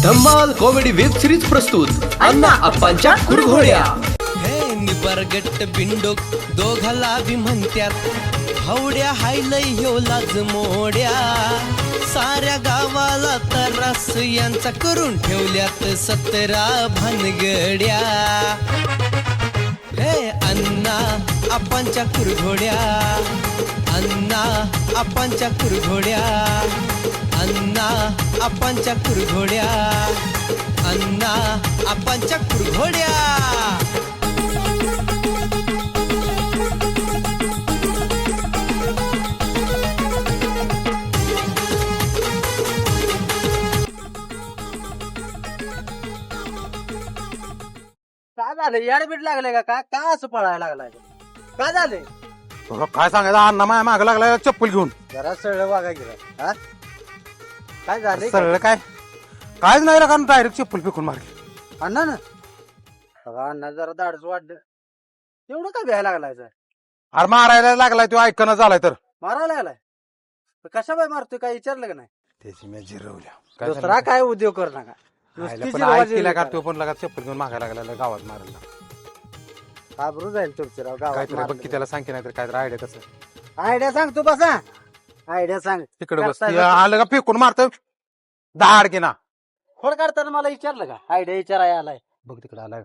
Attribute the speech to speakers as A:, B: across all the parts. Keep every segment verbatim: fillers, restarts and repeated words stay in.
A: धम्माल comedy web series प्रस्तुत अण्णा अप्पांच्या कुरघोड्या।
B: हे निबरगट्ट बिंडोक दोघाला बी म्हणत्यात हवड्या हायलय ह्यो लाज मोड्या साऱ्या गावाला तरास यांचा करून ठेवल्यात सतरा भानगड्या। हे अण्णा अप्पांच्या कुरघोड्या, अण्णा अप्पांच्या कुरघोड्या, अण्णा अप्पांच्या कुरघोड्या, अण्णा अप्पांच्या कुरघोड्या।
C: काय झालं याडबीड लागले का का का असं पळायला लागलाय काय झाले
D: तुला काय सांगायचं अण्णा माया माग लागला चप्पल घेऊन
C: जरा सरळ वागा गेला हा काय झाले
D: सरळ काय कायच नाही कारण डायरेक्ट चप्पल फेकून मारली
C: अण्णा ना बघा अण्णा जरा दाडच वाढलं एवढं काय भ्यायला लागलाय सर
D: अरे मारायला लागलाय तो ऐकणं झालाय तर
C: मारायला लागलाय कशा बाय मारतोय काय विचारलं का नाही
D: त्याची मी जिरवल्या
C: दुसरा काय उद्योग कर नका नुसती जिरवाजी
D: ऐकला का
C: करा.
D: तो पण लगा चप्पल घेऊन मागायला लागला गावात मारायला
C: घाबरून जाईल तुमची राव
D: काहीतरी बघ की
C: गावात
D: त्याला सांग की नाही तर काहीतरी आयडिया कसं
C: आयडिया सांग तू बसा आयडिया सांग
D: तिकडे बस
C: करता
D: ते
C: येतं.
D: आलं का फेकून मारत दहाड की ना
C: खोड काढताना मला विचारलं का आयडिया विचाराय आलाय
D: बघ तिकडे आलाय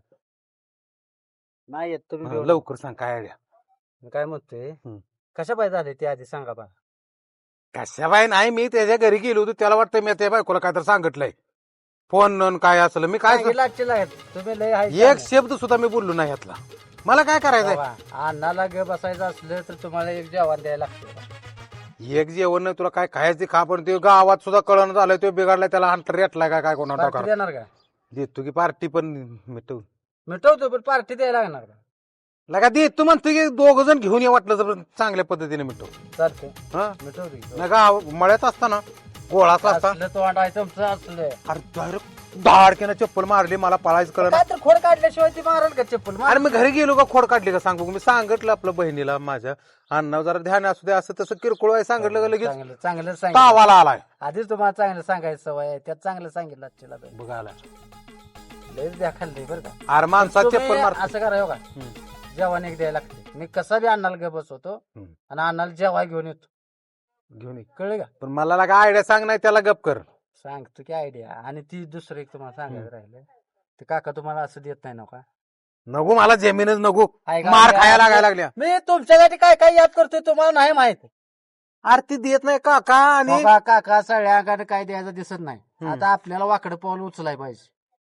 C: नाही येत तुम्ही
D: हा,
C: बेवडे.
D: लवकर सांग काय आयडिया
C: मी काय म्हणतोय
D: हम्म.
C: कशा पाय झाले ते आधी सांगा बा
D: कशा बाय नाही मी त्याच्या घरी गेलो होतो त्याला वाटतं मी त्या बायकोला काय तर सांगितलंय फोन न काय असलं मी काय
C: काय लागचे लागत तुम्ही लय हाय
D: एक शब्द सुद्धा मी बोललो नाही यातला मला काय करायचंय
C: बाबा, अण्णाला गे बसायचं असलं तर तुम्हाला एक जेवण द्यायला लागतं
D: एक जेवण नाही तुला काय खायचे खा पण ते गावात सुद्धा कळण झालंय तो बिघडलाय त्याला हंटर रेटलाय काय काय कोणा
C: पार्टी
D: टाका
C: देणार का
D: देतो की पार्टी पण मिटव
C: मिटवतो पण पार्टी द्यायला लागणार का
D: लगा दे तू म्हणतो की दोघ जण घेऊन ये वाटलं तर चांगल्या पद्धतीने मिटव
C: चालते
D: हा
C: मिटवतो की.
D: नाही गाव मळ्यात असताना गोळाच असता
C: असलं तो वाटाय तुमचं असलं
D: अरे डायरेक्ट दहाडक्यानं चप्पल मारली मला पळायचं कळलं
C: काय तर खोड काढल्याशिवाय ती मारल का चप्पल
D: अरे मी घरी गेलो का खोड काढली का सांगू मी सांगितलं आपल्या बहिणीला माझ्या अण्णा जरा ध्यान असू दे असं तसं किरकोळ आहे सांगितलं का लगेच
C: चांगलं चांगलं सांगितलं
D: तावाला आलाय
C: आधीच तुम्हाला चांगलं सांगायचं सवय आहे त्यात चांगलं सांगितलं आजच्याला तर.
D: बघायला
C: लयच द्या खाल्ली बरं का
D: अरे माणसात
C: तुम्ही
D: चप्पल मार
C: असं करा हो का जेवण एक द्यायला लागते मी कसा बी अण्णाला गे बसवतो
D: हम्म.
C: आणि अण्णाला जेवाय घेऊन येतो
D: घेऊन ये.
C: कळलं का
D: पण मला लागा आयडिया सांग नाही त्याला गप कर
C: सांगतो की आयडिया आणि ती दुसरं एक तुम्हाला सांगायचं राहिलं ते काका तुम्हाला असं देत नाही ना का
D: नको मला जमीनच नको
C: ऐका,
D: मार
C: ऐका,
D: खायला
C: ऐका.
D: लागायला लागल्या
C: मी तुमच्यासाठी काय काय याद करतोय तुम्हाला नाही माहित
D: आरती देत नाही काका आणि
C: बघा, काका सगळ्याकडे काय द्यायचं दिसत नाही
D: हम्म.
C: आता आपल्याला वाकडं पाऊल उचलाय पाहिजे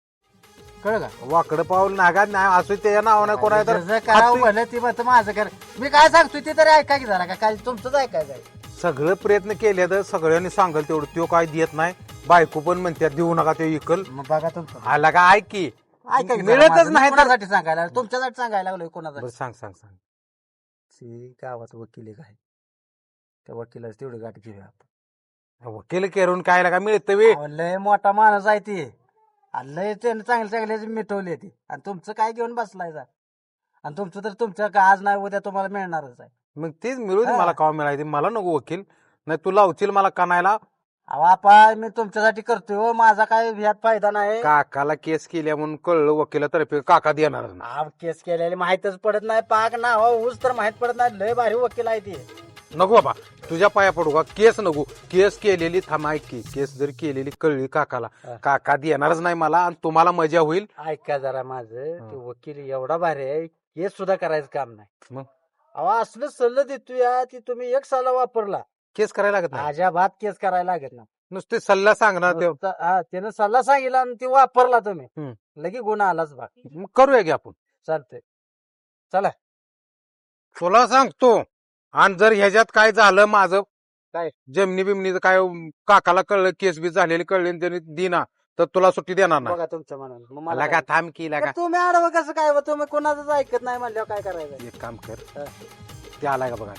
C: कळ का
D: वाकड पाऊल नागात नाही असू त्याच्या नावानं कोणा तर
C: जसं करावं
D: हाती-
C: भलं ती म्हणतं माझं कर मी काय सांगतोय ते तरी ऐका की जरा का काय तुमचंच ऐकायचं आहे
D: सगळे प्रयत्न केले तर सगळ्यांनी सांगल तेवढं तो काय देत नाही बायको पण म्हणतात देऊ नका ते इकल
C: मग बघा तुमचं
D: आला का ऐक की
C: ऐका की जरा
D: मिळतच
C: माझं. मी
D: नाही तर
C: कोणासाठी सांगायला लागलो? तुमच्यासाठी सांगायला लागलोय कोणासाठी
D: बरं, सांग सांग सांग
C: ती गावात वकील एक आहे त्या वकिलाच तेवढी गाठ घेऊया आपण
D: वकील करून काय लागा मिळत वे
C: अहो, लय मोठा माणूस आहे ती आणि लय त्यानं चांगले चांगले मिटवले ती आणि तुमचं काय घेऊन बसलाय जा आणि तुमचं तर तुमचं का आज नाही उद्या तुम्हाला मिळणारच आहे
D: मग तेच मिळू दे
C: हा.
D: मला काव मिळायचे मला नको वकील नाही तू लावशील मला कानायला
C: अहो आपा मी तुमच्यासाठी करतोय हो माझा काय ह्यात फायदा नाही
D: काकाला केस केल्या म्हणून कळलं वकिलातर्फे काका देणार नाही.
C: हा, केस केलेली माहितच पडत नाही पाक ना हो ऊस तर माहित पडत नाही लय भारी वकील आहे ती
D: नको बाबा तुझ्या पाया पडू का केस नको केस केलेली थांब ऐक की केस जर केलेली कळली काकाला
C: हा.
D: काका देणारच नाही मला आणि तुम्हाला मजा होईल
C: ऐका जरा माझं ते वकील एवढा भारी आहे केस सुद्धा करायचं काम नाही
D: मग
C: अहो असलं सल्ला देतोय हा, ती तुम्ही एक साला वापरला
D: केस करायला लागत नाही
C: अजाबात केस करायला लागत ना
D: नुसते सल्ला सांगणार ते
C: नुसतं- हा त्यानं सल्ला सांगितला आणि ती वापरला तुम्ही
D: हम्म.
C: लगे गुन्हा आलाच भाग
D: मग करूया की आपण
C: चालतंय चला
D: तुला सांगतो आणि जर ह्याच्यात काय झालं माझं
C: काय?
D: जमिनी बिमनीचं काय काकाला कळलं केस बी झालेली कळली आणि त्यांनी दिना तर तुला सुट्टी देणार नाही
C: बघा तुमच्या मनानं मग मला
D: मला का
C: काय?
D: थांब की लागा
C: तर तुम्ही आडवं कसं काय बा? तुम्ही कोणाचंच ऐकत नाही म्हणल्यावर काय करायचं
D: एक काम कर
C: हा.
D: ते आलाय का बघा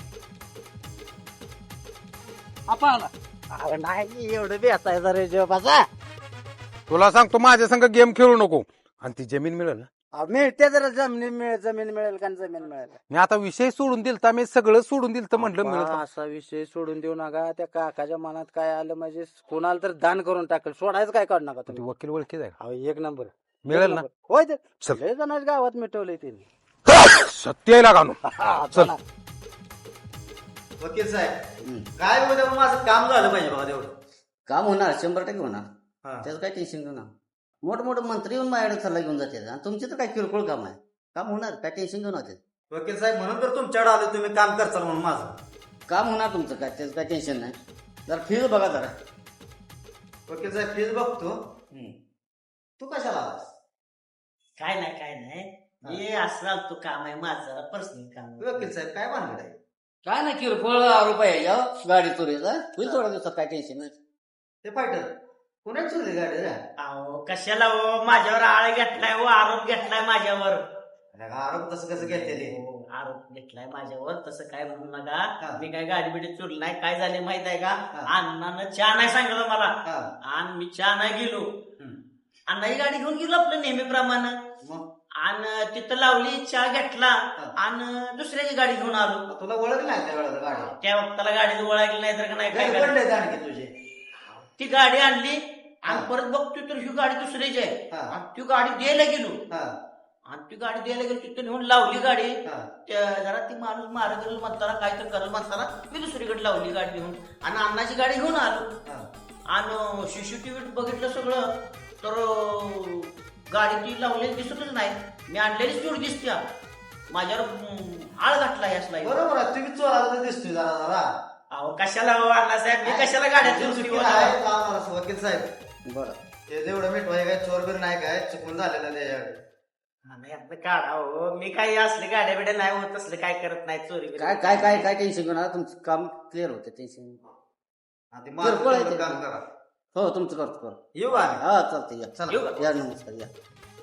C: आपण अरे नाही एवढं बेसायचं रे जेव्हा
D: तुला सांगतो माझ्या संग गेम खेळू नको आणि ती जमीन मिळेल ना
C: अहो, मिळते जरा जमीन मिळेल जमीन मिळेल का जमीन मिळेल
D: मी आता विषय सोडून दिलता मी सगळं सोडून दिलतं म्हटलं
C: अप्पा,
D: मिळत
C: असा विषय सोडून देऊ नका. त्या काकाच्या मनात काय आलं म्हणजे कोणाला तर दान करून टाकेल. सोडायचं काय काढू नका
D: ती
C: तुम्ही.
D: वकील ओळखी जाईल
C: अहो, एक नंबर
D: मिळेल ना
C: होय ते
D: चल.
C: लय जणांच्या गावात मिटवलंय त्यांनी.
D: सत्य आहे लागानो चल.
C: चला.
E: वकील साहेब काय उद्या माझं काम झालं पाहिजे बाबा तेवढं.
F: काम होणार शंभर टक्के होणार
E: हा.
F: त्याचं काय टेन्शन घेऊ ना. मोठमोठे मंत्री येऊन माझ्याकडे सल्ला घेऊन जाते आणि तुमचे तर काय किरकोळ काम आहे. काम होणार काय टेन्शन घेऊन होते.
E: वकील साहेब म्हणून तर तुमच्याकडे आलो तुम्ही काम करचाल म्हणून माझं.
F: काम होणार तुमचं काय त्याचं काय टेन्शन नाही. जरा फीज बघा जरा.
E: वकील साहेब फीज बघतो. तू कशाला आलास?
G: काय नाही काय नाही हे असं तू काम आहे माझं जरा पर्सनल काम आहे.
E: वकील साहेब काय भानगड आहे?
F: काय नाही किरकोळ रुपये या गाडी चोरीचा होईल थोड्या दिवसात काय टेन्शन नाही.
E: ते फायटर पुण्यात चोरली गाडी रे.
G: अहो कशाला हो माझ्यावर आळ घेतलाय हो आरोप घेतलाय माझ्यावर.
E: अरे आरोप तसं कसं घेतलेले?
G: हो, आरोप घेतलाय माझ्यावर तसं काय म्हणू
E: हा.
G: नका. मी काय गाडी बिडी चोरली नाही. काय झाले माहित आहे का
E: हा.
G: अण्णानं चहा नाही सांगितलं मला
E: हा.
G: आणि मी चहा नाही गेलो.
E: हम्म.
G: अण्णा ही गाडी घेऊन गेलो आपलं नेहमीप्रमाणे
E: मग
G: आणि तिथं लावली चहा घेतला
E: हा.
G: आणि दुसऱ्याची गाडी घेऊन आलो.
E: तुला ओळख नाही त्या वेळेला गाडी
G: त्या वक्ताला गाडी ओळखली नाही तर का नाही काय
E: काय
G: करायचं?
E: पडले आणखी तुझे?
G: ती गाडी आणली आणि
E: हा.
G: परत बघतोय तर ही गाडी दुसरीची आहे.
E: हा.
G: आणि ती गाडी द्यायला गेलो
E: हा.
G: आणि ती गाडी द्यायला गेलो तिथं नेऊन लावली गाडी.
E: हा.
G: त्या- जरा ती माणूस मार करेल म्हणताना काय तर करेल म्हणताना मी दुसरीकडे लावली गाडी घेऊन आणि अण्णाची गाडी घेऊन आलो.
E: हा.
G: आणि सीसीटीव्ही बघितलं सगळं तर अं, गाडी ती लावलेली दिसतच नाही. मी आणलेलीच चोर दिसते माझ्यावर अं, आळ घातला असला.
E: बरोबर आहे तुम्ही चोराला तर दिसतोय जरा जरा.
G: अहो कशाला हो अण्णासाहेब मी कशाला गाड्या
E: तुझी
G: चोरली
E: चुकी
G: हो?
E: आहे, लावणार असं वकील साहेब.
F: बरं
E: ते जेवढं मिठवाय काय चोर बीर नाही काय चुकून झालेलं त्याच्याकडे.
G: नाही आपलं काढा हो मी काही असले गाड्या बिड्या नाही होत असले काय करत नाही चोरी बिरी.
F: काय काय काय काय टेन्शन घेऊ नका. तुमचं काम क्लिअर होते टेन्शन.
E: आधी माझं
F: किरकोळ आहे
E: तेवढं
F: ते.
E: काम करा.
F: हो तुमचं करतो करतो.
E: येऊ का?
F: हा चालतंय या.
E: चला.
G: येऊ का?
F: या नमस्कार या.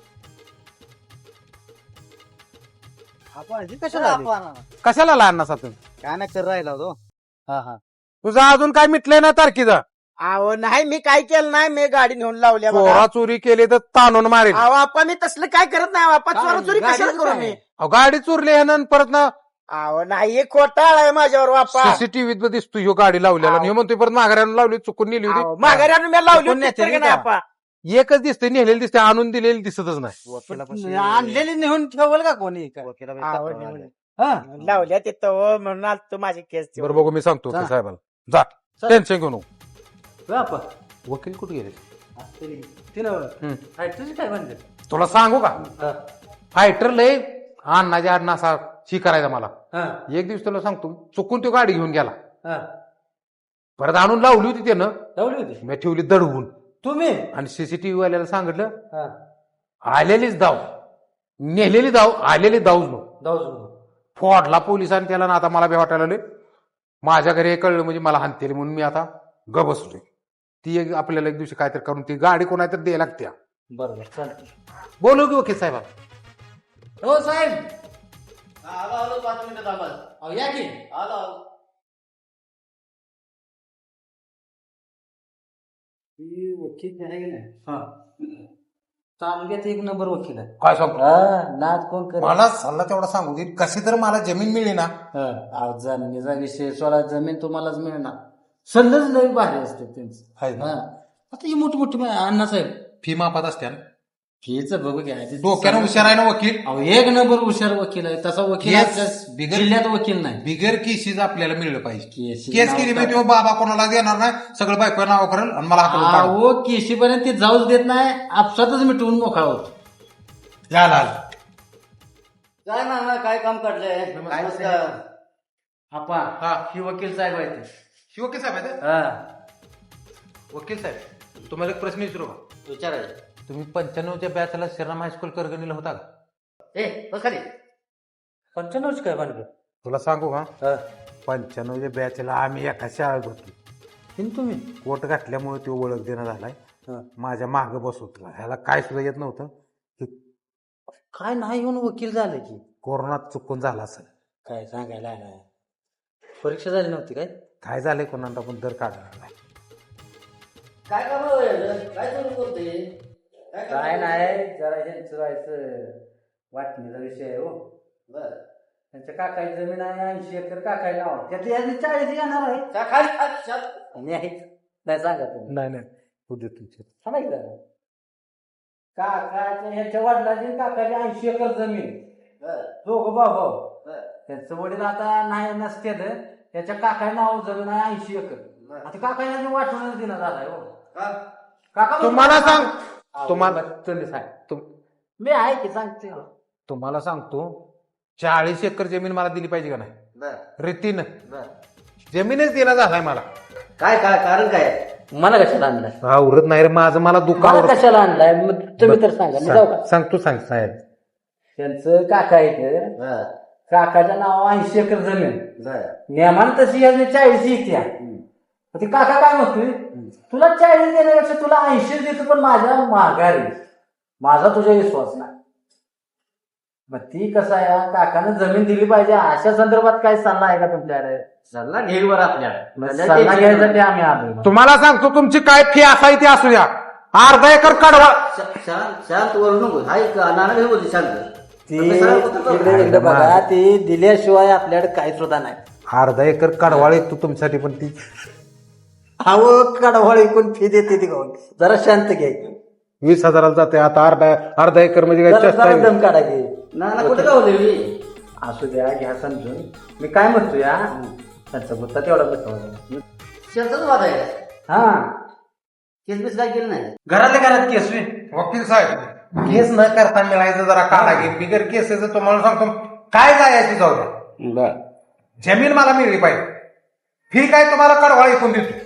C: आपण ही कशाला आली?
D: कशाला लहान नसा तुम्ही
C: काय नाही कर राहिला होतो. हा हा
D: तुझं अजून काय मिटलंय ना तारखीचा.
C: अहो नाही मी काय केलं नाही. मी गाडी नेऊन लावल्या बघा.
D: चोरा चोरी केली तर ताणून मारेल.
C: अहो आपा मी तसलं काय करत नाही. आपा काय? चोरा चोरी कशाला गाडीचं करू काय? मी?
D: अहो, गाडी चोरली आहे ना आणि परत ना
C: अहो नाही हे खोटाळ आहे माझ्यावर बापा.
D: सीसीटीव्हीत दिसतो ह्यो गाडी लावलेला आणि ह्यो म्हणतोय परत माघाऱ्यानं लावली चुकून नेली होती.
C: माघारी आणून मी लावली चुकून होती नेते तर का नाही नाही
D: का?
C: आपा?
D: एकच दिसते नेलेली दिसते आणून दिलेली दिसतच नाही.
C: आणलेली नेऊन ठेवल का कोणी काय? अहो, नेऊन. हा? लावल्या तिथं हो, म्हणून आलतो माझी केस
D: बरं बघू मी सांगतो
C: चला.
D: वकील साहेबाला. जा
C: चला.
D: टेन्शन घेऊ नको.
C: बापा
D: वकील कुठे गेले
C: तिनं
D: हम्म.
C: तुझी काय म्हणते?
D: तुला सांगू का फायटर लय अण्णाच्या अण्णा असा शी करायचा मला. एक दिवस तुला सांगतो चुकून तो गाडी घेऊन गेला परत आणून लावली होती त्यानं.
C: लावली होती
D: मी ठेवली दडवून
C: तुम्ही?
D: आणि सीसीटीव्ही वाल्याला सांगितलं
C: हा.
D: आलेलीच दाव नेलेली दाव आलेली दाव
C: जाऊ
D: फोडला पोलिसांनी त्याला ना. आता मला बी वाटायला लागले माझ्या घरी हे कळलं म्हणजे मला हानतेली म्हणून मी आता ग बसलोय. ती एक आपल्याला एक दिवशी काहीतरी करून ती गाडी कोणाला द्यायला लागते.
C: बरोबर चालतं.
D: बोलू की वकील साहेब.
C: हो साहेब
F: आलो आलो पाच मिनिटं थांबा.
C: अहो, या की.
F: आलो आलो.
C: ही वकील आहे की नाही? तालुक्यात एक नंबर वकील आहे.
D: काय सांगतो
C: हा, नाद कोण करे?
D: मला सल्ला तेवढा सांगू दे. कशी तर मला जमीन मिळली ना.
C: हा, अहो, जमिनीचा विषय सोळा जमीन तुम्हालाच मिळणार. सल्लच लई भारी असते त्यांचं.
D: हाय ना.
C: हा. आता ही मोठी मोठी अण्णासाहेब
D: फी मापात असते ना.
C: फीच बघू घ्या.
D: डोक्यानं हुशार आहे ना वकील.
C: अहो एक नंबर हुशार वकील आहे. तसा वकील
D: केस
C: आपल्या
D: बिगर-
C: जिल्ह्यात वकील नाही.
D: बिगर केसीज आपल्याला मिळलं पाहिजे.
C: केसी
D: केस
C: नाव
D: केली
C: काय?
D: मी तो बाबा कोणाला देणार नाही. सगळं बायको नाव करेल आणि मला हाकलून काढेल.
C: अहो केशीपर्यंत ते जाऊच देत नाही. आपसातच मिटवून मोकळा होतो.
D: या लाल.
F: काय ना ना काय काम काढलंय?
C: नमस्कार.
F: नमस्कार.
C: आपा
D: हा.
C: ही वकील साहेब आहे ते.
D: वकील साहेब आहेत?
C: हा.
D: वकील साहेब तुम्हाला एक प्रश्न विचारू का?
F: विचारायचं.
D: तुम्ही पंच्याण्णवच्या बॅचला श्रीराम हायस्कूल करगणीला होता का?
F: ए बस खाली.
C: पंच्याण्णवची काय भानगड?
D: तुला सांगू का
C: हा.
D: पंच्याण्णवच्या बॅचला आम्ही एका शाळेत होतो.
C: हिन तुम्ही?
D: कोट घातल्यामुळे तो ओळख देणं झालाय.
C: हा.
D: माझ्या माग बसवत ह्याला काय सुद्धा येत नव्हतं.
C: काय नाही येऊन वकील झालं की
D: कोरोनात चुकून झाला असेल.
C: काय सांगायला नाही. परीक्षा झाली नव्हती काय?
D: काय झालंय कोणाला पण दर काढणार नाही.
F: काय काम आहे? काय चालू करते?
C: काय नाही जरा ह्यांचं जायचं वाटणीचा विषय आहे हो.
F: बर
C: त्यांच्या काकाची जमीन आहे ऐंशी एकर काकाई नाव त्यातली यादी चाळीस येणार आहे.
F: चा- खाली खाली चा-
C: आणि आहेत. नाही सांगा तुम्ही
D: नाही नाही उद्या तुमचे
C: सांगायचं काकाच्या ह्याच्या वडिलाची काकाची ऐंशी एकर जमीन
F: बर
C: दोघं भाऊ
F: बर
C: त्यांचं वडील आता नाही नसते त्याच्या काका नाव जमीन आहे ऐंशी एकर.
F: बर.
C: आता काकाला वाटूनच देण्यात आलाय हो.
F: का?
C: काका
D: तुम्हाला सांग
C: अहो,
D: तुम्हाला
C: तुम्ही सांग
D: तुम-
C: मी आहे की सांगते
D: तुम्हाला सांगतो चाळीस एकर जमीन मला दिली पाहिजे का नाही
F: बर
D: रीतीनं
F: बर
D: जमीनच देणं झालाय मला.
F: काय काय कारण काय आहे?
C: मला कशाला आणलाय
D: आवरत नाही रे माझं मला दुःख
C: मला
D: आवरत.
C: कशाला आणलाय मग तुम्ही तर सांगा मी जाऊ का
D: सांग सांग तू सांग साहेब.
C: त्यांचं काका इथे
F: बर
C: काकाच्या नाव ऐंशी एकर जमीन
F: बर
C: नियमान तशी यादी चाळीस येत्या ते काका काय म्हणतोय तुला चाळीस देण्यापेक्षा तुला ऐंशी देतो पण माझ्या माघारी माझा तुझा विश्वास नाही. मग ती कसं आहे काकानं जमीन दिली पाहिजे अशा संदर्भात काय सल्ला आहे का तुमच्याकडे?
F: सल्ला घेईवर आपल्या
C: मग सल्ला घ्यायसाठी आम्ही आलो.
D: तुम्हाला सांगतो तुमची काय फी असाय ती असू द्या अर्धा एकर कडवा.
F: शा- शांत शांत वरू नको हाय का नाना घेऊ बोलते शांत
C: ती
F: आता सरळ कुठं जाऊ?
C: इकडे इकडे बघा ती दिल्याशिवाय आपल्याकडे काही सुद्धा नाही.
D: अर्धा एकर कडवाळी तू तुमच्यासाठी पण ती
C: हवं कडवाळ ऐकून फी देते ती गाऊन जरा शांत घ्यायची
D: वीस हजाराला जाते आता अर्धा अर्धा एकर म्हणजे काय
C: जरा
D: चेष्टा
C: जरा
D: आहे?
C: दम काढा घे
F: नाना कुठे गावले
C: असू द्या घ्या समजून मी काय म्हणतो या त्यांचा गुत्ता तेवढा बसवा
F: शेताच वाद आहे
C: हा
F: केस काय केलं नाही
C: घरातल्या घरात केस वे.
D: वकील साहेब केस न करता मिळायचं जरा काढा घे बिगर केसेचं तुम्हाला सांगतो काय जायची जाऊ द्या
F: बर
D: जमीन मला मिळली पाहिजे. फी काय तुम्हाला कडवाळ ऐकून देतो.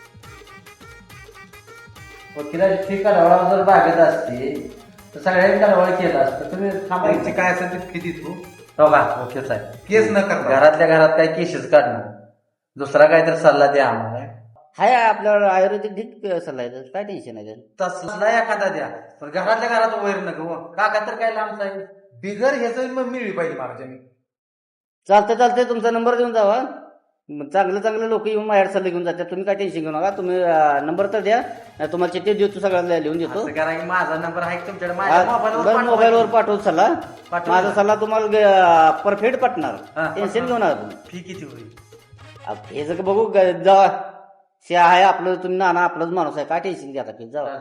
C: वकिलाची फी कडवाळा जर बागेत असते तर सगळ्यांनी कडवाळ केलं असतं तुम्ही थांबायची
D: काय असेल ते फी देतो
C: बघा वकील साहेब
D: केस न करता
C: घरातल्या घरात काय केसेस काढणार दुसरा काहीतरी सल्ला द्या आम्हाला
F: हाय आपल्याला आयुर्वेदिक ढीक सल्ला आहे काय टेन्शन आहे त्याचं?
C: तसला एखादा द्या पण घरातल्या घरात वैर नको काका तर काय लांब साहेब
D: बिगर ह्याचं मग मिळली पाहिजे मला जमीन.
F: चालतं चालतंय तुमचा नंबर देऊन जावा मग चांगलं चांगलं लोक येऊन माझ्यावर सल्ले घेऊन जातात तुम्ही काय टेन्शन घेऊ नका तुम्ही नंबर तर द्या नाही तुम्हाला चिठ्ठी देतो सगळ्याला लिहून देतो
C: असं करा की माझा नंबर आहे का तुमच्याकडे माझ्या
F: बरं
C: मोबाईलवर
F: मोबाईलवर पाठवतो सल्ला
C: पाठवा.
F: माझा सल्ला तुम्हाला परफेक्ट पटणार
C: हा.
F: टेन्शन घेऊ नका तुम्ही
C: फी किती होईल
F: अब हे जर बघू ग- जावा शे आहे आपलं तुम्ही नाना आपलाच माणूस आहे काय टेन्शन घ्या आता जावा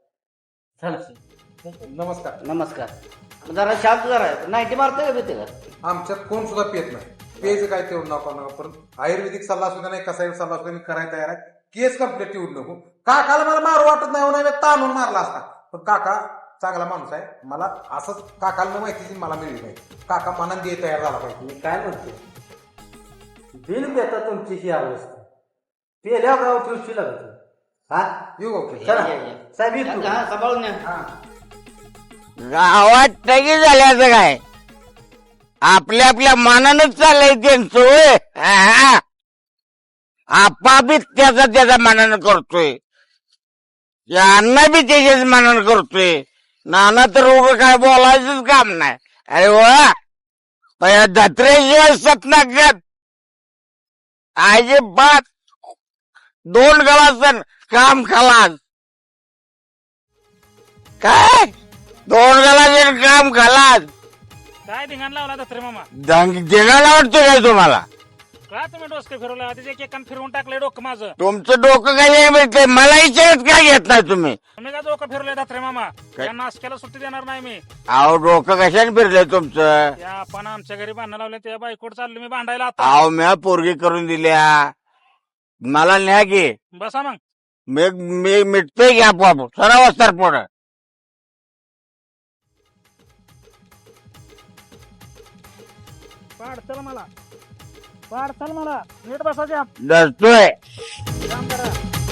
D: नमस्कार.
F: नमस्कार जरा शांत जरा नाईन्टी मारतोय का भीती का
D: आमच्यात कोण सुद्धा पेत नाही पेज काय तेवढं नको नका पण आयुर्वेदिक सल्ला सुद्धा नाही कसा सल्ला सुद्धा मी करायला तयार आहे. केस कम्प्लीट ठेवू नको. काकाला मला मारू वाटत नाही म्हणून मी ताणून मारला असता पण काका चांगला माणूस आहे मला असंच काकाला माहिती मला मिळली पाहिजे. काका मनान दे तयार झाला पाहिजे.
C: मी काय म्हणतो बिल देता तुमची ही अवस्था पेल्या गाव ठेवशी लागत हा
D: येऊ ओके
C: चला
F: या, या.
C: साहेब येतो.
F: हा, सांभाळून न्या
C: हा
H: गावात टगी झाल्याचं काय आपल्या आपल्या मानानच चाललंय त्यांचं होय. हा. आपा बी त्याचा त्याच्या मानानं करतोय अण्णा बी त्याच्याच मानानं करतोय नाना तर उभं काय बोलायचंच काम नाही. अरे वा पहिल्या धत्रेशिवाय सतनागत आजे बात दोन गलासन काम खलास काय दोन गलाचे काम खलास
I: काय धिंगाण लावला दत्रे मामा
H: देगाला वाटतोय काय तुम्हाला
I: का तुम्ही डोसके फिरवला आधीच एक एकान फिरवून टाकलंय डोकं माझं
H: तुमचं डोकं काय मिळतंय मला विचारत काय घेत नाही तुम्ही
I: तुम्ही का डोकं फिरवलंय दत्रे मामा या नाशक्याला सुट्टी देणार नाही मी
H: अहो डोकं कशाने फिरलंय तुमचं
I: त्या आपण आमच्या घरी भांडण लावले त्या बायकोट चाललो मी भांडायला आता
H: अहो म्या पोरगी करून दिल्या मला न्या की
I: बसा मग
H: मी मी मिटतोय की आपोआप सराव असतात पोरं
I: पाडचल मला पाडचल मला नीट बसा द्या
H: डरतोय
I: काम करा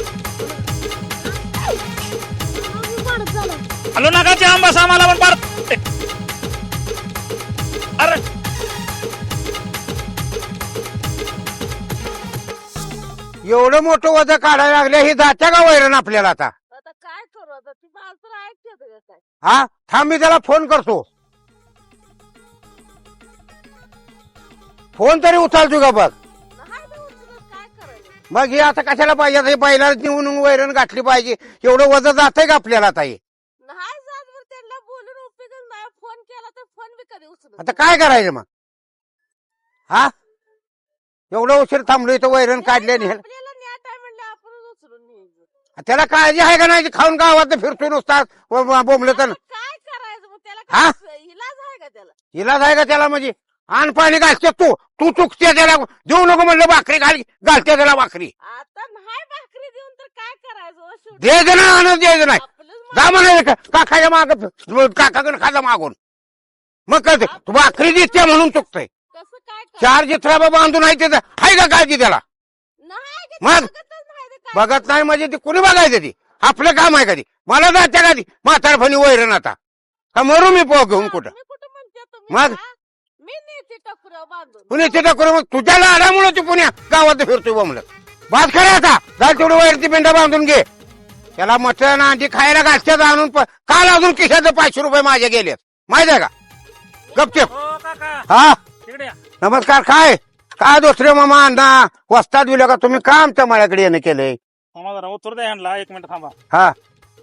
I: हॅलो नका जाम बसा मला पण पाड अरे
H: एवढं मोठं वजन काढायला लागले ही जात्या का वैरण आपल्याला आता
J: आता काय करू आता ती माणसं ऐकतात का काय
H: हा थांब मी त्याला फोन करतो फोन तरी उचलतो का बघ
J: नाही ना उचलत काय करायचं
H: मग हे आता कशाला पाहिजे हे पहिला नेऊन वैरण गाठली पाहिजे एवढं वजन जातंय का आपल्याला आता हे
J: नाही जात बरं त्यांना बोलून उपयोग नाही फोन फोन केला तर फोन बी कधी उचलत
H: आता काय करायचं मग हा एवढं उशीर थांबलो इथं वैरण काढले नाही
J: आपल्याला न्या टाइम म्हणलं आपणच उचलून न्यायचं.
H: त्याला काळजी आहे का नाही खाऊन गावात फिरतो नुसतात बोंबलं तर
J: काय करायचं मग त्याला
H: हा?
J: काय इलाज आहे का त्याला?
H: इलाज आहे का त्याला म्हणजे आण पाणी घालते तू तू चुकते त्याला देऊ नको म्हणलं भाकरी घाल घालते त्याला भाकरी
J: आता नाही भाकरी देऊन तर काय करायचं हो शेवटी?
H: द्यायचं ना आणून द्यायचं नाही
J: आपलंच
H: जा म्हणायचं का- काकाच्या माग काकाकडे खाजा मागून मग कळते तू भाकरी देते म्हणून चुकतंय
J: कसं काय करायचं?
H: चार जिथराबा बांधून आहे त्याचं आहे का काळजी त्याला
J: नाही का ते
H: मग?
J: बघतच नाही ते काय.
H: बघत नाही म्हणजे ती कुणी बघायचं ती आपलं काम आहे कधी मला जाते का ती म्हातारपणी वैरण आता का मरू मी पो घेऊन कुठं
J: मी कुठं म्हणते तुम्ही
H: मग?
J: हा? मी नेते टकुऱ्या बांधून
H: कुणी तिथं करू मग तुझ्या लाडामुळे तू पुण्या गावात फिरतोय बोंबलं भात खरं आता जा तेवढी वैरची पिंडा बांधून घे त्याला मटण अंडी खायला घालच्यात आणून प- काल अजून खिशाचे पाचशे रुपये माझे गेलेत माहित आहे का गपचेप
I: हो काका
H: हा
I: तिकडे या.
H: नमस्कार काय काय दुसरे मामा अण्णा वस्ताद दिलं का तुम्ही का आमच्या माळ्याकडे येणं केलंय
I: थांबा जरा उत्तर द्या ह्यांना एक मिनिट थांबा
H: हा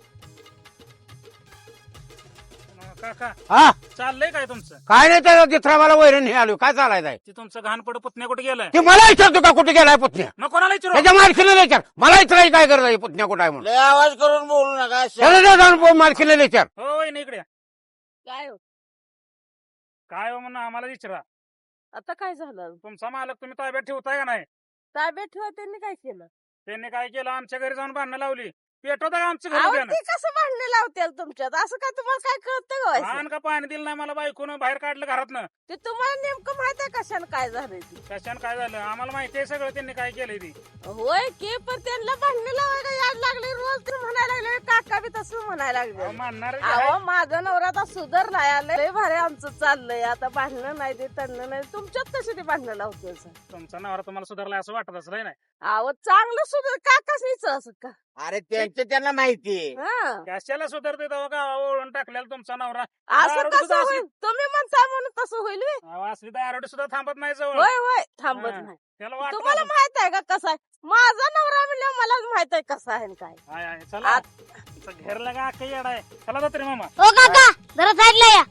I: काका
H: हा
I: चाललंय काय तुमचं
H: काय नाही त्याला जिथरा मला वैरण हे आलो काय चालायचं आहे
I: ते तुमचं घाणपड पुतण्या कुठे गेलाय
H: ते मला विचारतो का कुठे गेलाय पुतण्या
I: मग कोणाला विचारू
H: त्याच्या मालकीला विचार मला विचारायची काय गरज आहे पुतण्या कुठं आहे म्हणून लय आवाज करून बोलू नका त्याला जाऊन मालकीला विचार
I: हो वहिनी इकडे या.
J: काय हो?
I: काय हो म्हणून आम्हाला विचारा
J: आता काय झालं?
I: तुमचा मालक तुम्ही ताब्यात ठेवताय का नाही
J: ताब्यात ठेवा त्यांनी काय केलं?
I: त्यांनी काय केलं आमच्या घरी जाऊन भांडणं लावली पेटवता का आमच्या
J: अहो,
I: घरी त्यानं?
J: ते कसं भांडणे लावतील तुमच्यात? असं काय तुम्हाला काय कळतं का व्हायचं?
I: पान का पाणी दिलं नाही मला बायकोनं बाहेर काढलं घरातनं
J: ते तुम्हाला नेमकं माहित आहे कशाने काय झालंय ते?
I: कशानं काय झालं आम्हाला माहिती आहे सगळं त्यांनी काय केलंय ती
J: होय की पण त्यांना भांडणे लावायला याड लागले रोज तर म्हणायला लागले काका बी तसं म्हणायला
I: अहो,
J: लागले.
I: मानणार
J: अहो माझा नवरा आता सुधारलाय आलंय लय भारी आमचं चाललंय आता भांडणं नाही ते तणणं नाही तुमच्यात कशी ते भांडणं लावते
I: तुमचा नवरा तुम्हाला सुधारला असं वाटत असलं नाही
J: अहो चांगलं सुधार काकाच असं का
H: अरे त्यांचं त्यांना माहिती
J: हा
I: कशाला सुधारते तेव्हा गावा ओळून टाकलेला तुमचा नवरा
J: असं
I: दारोडे
J: कसं
I: सुद्धा
J: होईल तुम्ही म्हणता म्हणून तसं होईल व्हय?
I: अहो, असली दारोडे सुद्धा थांबत नाही जवळ
J: होय होय थांबत
I: हा.
J: नाही
I: त्याला वाटत
J: तुम्हाला
I: असेल.
J: माहित आहे का कसा आहे माझा नवरा म्हणल्यावर मलाच माहित आहे कसा आहे आणि काय
I: हाय, हाय, चला घेरला का काही येडा आहे चला जाते रे मामा
J: हो काका जरा साईडला या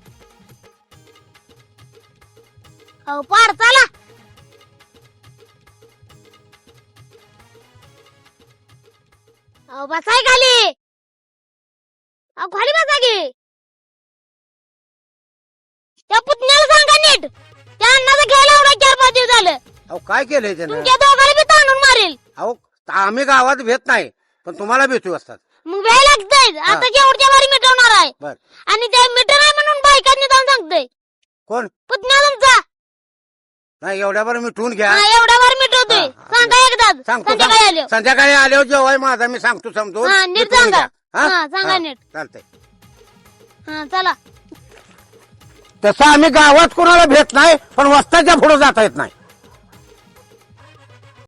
J: हो पार चला बसाय खाली अहो खाली बसा की त्या पुतण्याला सांगा नीट त्या अण्णाचा घ्यायला एवढा चार पाच दिवस झालं
H: अहो काय केलंय त्यानं
J: तुमच्या दोघांना बी ताणून मारेल
H: अहो आम्ही गावात भेट नाही पण तुम्हाला भेटू असतात
J: मग वेळ लागतंय आता जेवढच्या वारी मिटवणार आहे
H: बर
J: आणि ते मीटर आहे म्हणून बायकांनी जाऊन सांगतोय
H: कोण
J: पुतण्या तुमचा
H: नाही एवढ्यावर मिटवून घ्या
J: हा, एवढ्या वारी मिटवतोय
H: हा, हा.
J: सांगा एकदा
H: सांगतो
J: संध्याकाळी
H: सांग-
J: आलो
H: संध्याकाळी आल्यावर जेव्हा माझा मी सांगतो समजून
J: हा, नीट
H: मिटवून
J: सांगा.
H: घ्या. हा?
J: हा, सांगा
H: हा,
J: नीट.
H: चालतंय
J: हा चला
H: तसं आम्ही गावात कोणाला भेट नाही पण वस्ताच्या पुढे जाता येत नाही